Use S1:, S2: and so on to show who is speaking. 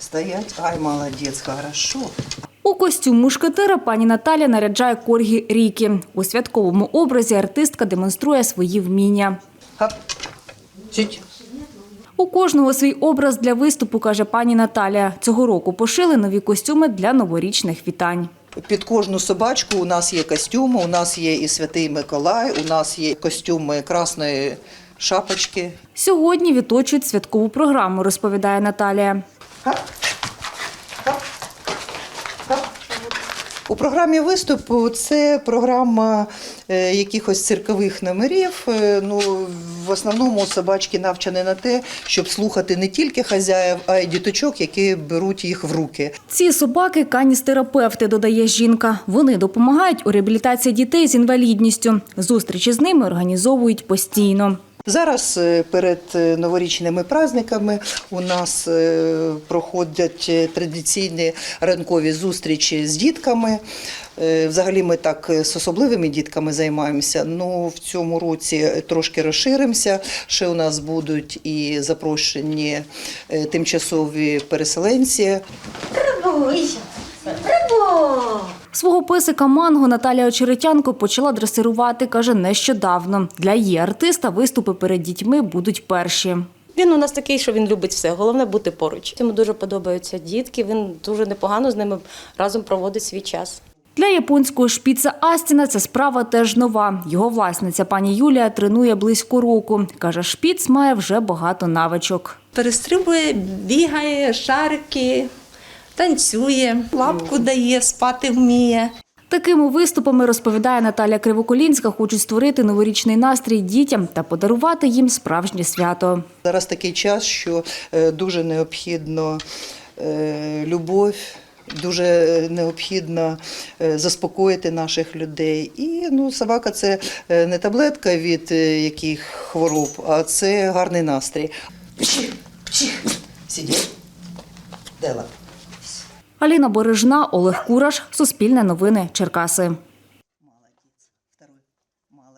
S1: Стоять. Ай, молодець, хорошо.
S2: У костюм мушкетера пані Наталя наряджає коргі Рікі. У святковому образі артистка демонструє свої вміння.
S1: Хоп. Чуть.
S2: У кожного свій образ для виступу, каже пані Наталя. Цього року пошили нові костюми для новорічних вітань.
S1: Під кожну собачку у нас є костюми, у нас є і Святий Миколай, у нас є костюми красної шапочки.
S2: Сьогодні відточують святкову програму, розповідає Наталія.
S1: У програмі виступу це програма якихось циркових номерів. В основному собачки навчені на те, щоб слухати не тільки хазяїв, а й діточок, які беруть їх в руки.
S2: Ці собаки – каністерапевти, додає жінка. Вони допомагають у реабілітації дітей з інвалідністю. Зустрічі з ними організовують постійно.
S1: Зараз перед новорічними праздниками у нас проходять традиційні ранкові зустрічі з дітками. Взагалі ми так з особливими дітками займаємося, але в цьому році трошки розширимося. Ще у нас будуть і запрошені тимчасові переселенці.
S2: Свого песика Манго Наталія Очеретянко почала дресирувати, каже, нещодавно. Для її артиста виступи перед дітьми будуть перші.
S3: Він у нас такий, що він любить все, головне бути поруч. Йому дуже подобаються дітки, він дуже непогано з ними разом проводить свій час.
S2: Для японського шпіца Астіна ця справа теж нова. Його власниця пані Юлія тренує близько року. Каже, шпіц має вже багато навичок.
S4: Перестрибує, бігає, шарики, танцює, лапку дає, спати вміє.
S2: Такими виступами, розповідає Наталя Кривоколінська, хочуть створити новорічний настрій дітям та подарувати їм справжнє свято.
S1: Зараз такий час, що дуже необхідно любов, дуже необхідно заспокоїти наших людей. І собака – це не таблетка від яких хвороб, а це гарний настрій. Сидіть. Дела.
S2: Аліна Бережна, Олег Кураш, Суспільне новини, Черкаси.